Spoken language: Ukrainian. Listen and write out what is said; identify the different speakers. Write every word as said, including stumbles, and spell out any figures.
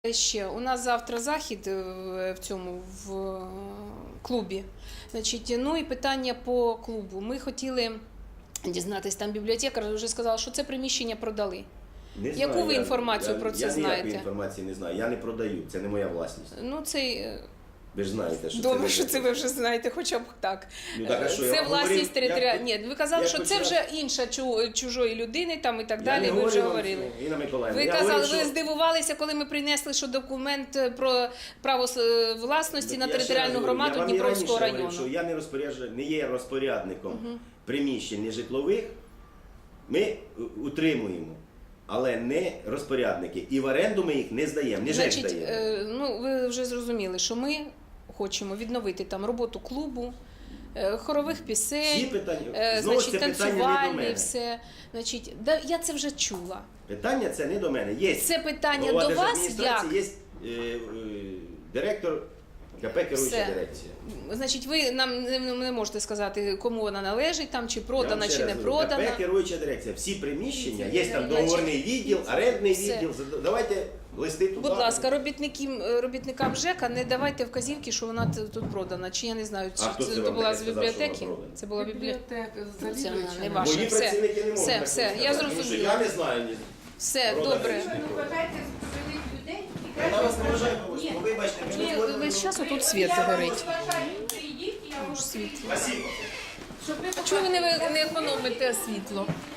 Speaker 1: Ще у нас завтра захід в цьому в клубі. Значить, ну і питання по клубу. Ми хотіли дізнатися, там бібліотекар вже сказала, що це приміщення продали.
Speaker 2: Не
Speaker 1: Яку
Speaker 2: знаю,
Speaker 1: ви
Speaker 2: я-
Speaker 1: інформацію
Speaker 2: я,
Speaker 1: про це
Speaker 2: я
Speaker 1: знаєте?
Speaker 2: Я ніякої інформації не знаю. Я не продаю, це не моя власність.
Speaker 1: Ну це
Speaker 2: Ви ж знаєте, що
Speaker 1: добре,
Speaker 2: це
Speaker 1: що
Speaker 2: не-
Speaker 1: це ви вже знаєте, хоча б так.
Speaker 2: Ну, так, а що,
Speaker 1: Це
Speaker 2: я
Speaker 1: власність
Speaker 2: говорив,
Speaker 1: територіальної.
Speaker 2: я-
Speaker 1: Ні, ви казали,
Speaker 2: я
Speaker 1: що це
Speaker 2: почав-
Speaker 1: вже інша чу- чужої людини там і так
Speaker 2: Я
Speaker 1: далі.
Speaker 2: не
Speaker 1: Ви вже
Speaker 2: говорю вам,
Speaker 1: говорили.
Speaker 2: Інна Миколаївна,
Speaker 1: Ви
Speaker 2: я
Speaker 1: казали,
Speaker 2: говорю,
Speaker 1: ви
Speaker 2: що-
Speaker 1: здивувалися, коли ми принесли, що документ про право е, власності на
Speaker 2: Я ще раз
Speaker 1: територіальну
Speaker 2: говорю,
Speaker 1: громаду
Speaker 2: я вам і
Speaker 1: Дніпровського
Speaker 2: раніше говорив,
Speaker 1: району.
Speaker 2: що я не, розпоряджа- не є розпорядником приміщень нежитлових, ми утримуємо, але не розпорядники. І в оренду ми їх не здаємо, не ЖЕК
Speaker 1: Значить,
Speaker 2: здає.
Speaker 1: е, ну ви вже зрозуміли, що ми хочемо відновити там роботу клубу, е, хорових
Speaker 2: Всі
Speaker 1: пісень,
Speaker 2: питання,
Speaker 1: е,
Speaker 2: знову
Speaker 1: значить,
Speaker 2: це питання не до
Speaker 1: танцювальні,
Speaker 2: мене.
Speaker 1: все. Значить, да, я це вже чула.
Speaker 2: Питання це не до мене. Є
Speaker 1: Це питання
Speaker 2: голова
Speaker 1: до вас
Speaker 2: держадміністрації,
Speaker 1: як?
Speaker 2: Є е, е, директор КП керуюча
Speaker 1: Все.
Speaker 2: дирекція.
Speaker 1: Значить, ви нам не, не можете сказати, кому вона належить, там, чи
Speaker 2: Я
Speaker 1: продана,
Speaker 2: вам ще
Speaker 1: чи
Speaker 2: раз
Speaker 1: не
Speaker 2: говорю,
Speaker 1: продана.
Speaker 2: КП керуюча дирекція. Всі приміщення, є там
Speaker 1: Значить,
Speaker 2: договорний відділ, орендний
Speaker 1: все.
Speaker 2: відділ. Давайте листи туди.
Speaker 1: Будь ласка, робітникам, робітникам ЖЕКа не давайте вказівки, що вона т- тут продана. Чи я не знаю, чи
Speaker 2: А хто
Speaker 1: це,
Speaker 2: це
Speaker 1: то
Speaker 2: вам
Speaker 1: була
Speaker 2: таке
Speaker 1: з
Speaker 2: сказав, що
Speaker 1: бібліотеки?
Speaker 2: вона продана?
Speaker 1: Це була бібліотека.
Speaker 3: Бібліотека
Speaker 1: Це
Speaker 3: завідувача.
Speaker 1: не ваше.
Speaker 2: Мої
Speaker 1: все.
Speaker 2: працівники не можуть
Speaker 1: Все,
Speaker 2: так
Speaker 1: все,
Speaker 2: сказати,
Speaker 1: я
Speaker 2: тому що
Speaker 1: зрозуміла.
Speaker 2: Я не знаю. ні.
Speaker 1: Все,
Speaker 2: Продана
Speaker 1: добре.
Speaker 2: річ.
Speaker 3: Ви вважаєте своїх людей і
Speaker 2: Вона
Speaker 3: краще
Speaker 2: вас не вважає,
Speaker 3: Ні.
Speaker 2: ну, вибачте, ми
Speaker 1: Ні,
Speaker 2: не згодні.
Speaker 1: весь час отут світ
Speaker 3: Я
Speaker 1: загорить.
Speaker 3: вас вважаю, прийдіть, я вам
Speaker 1: Світло.
Speaker 2: Спасибо.
Speaker 3: щоб ви
Speaker 1: Чому ви не, ви не економите світло?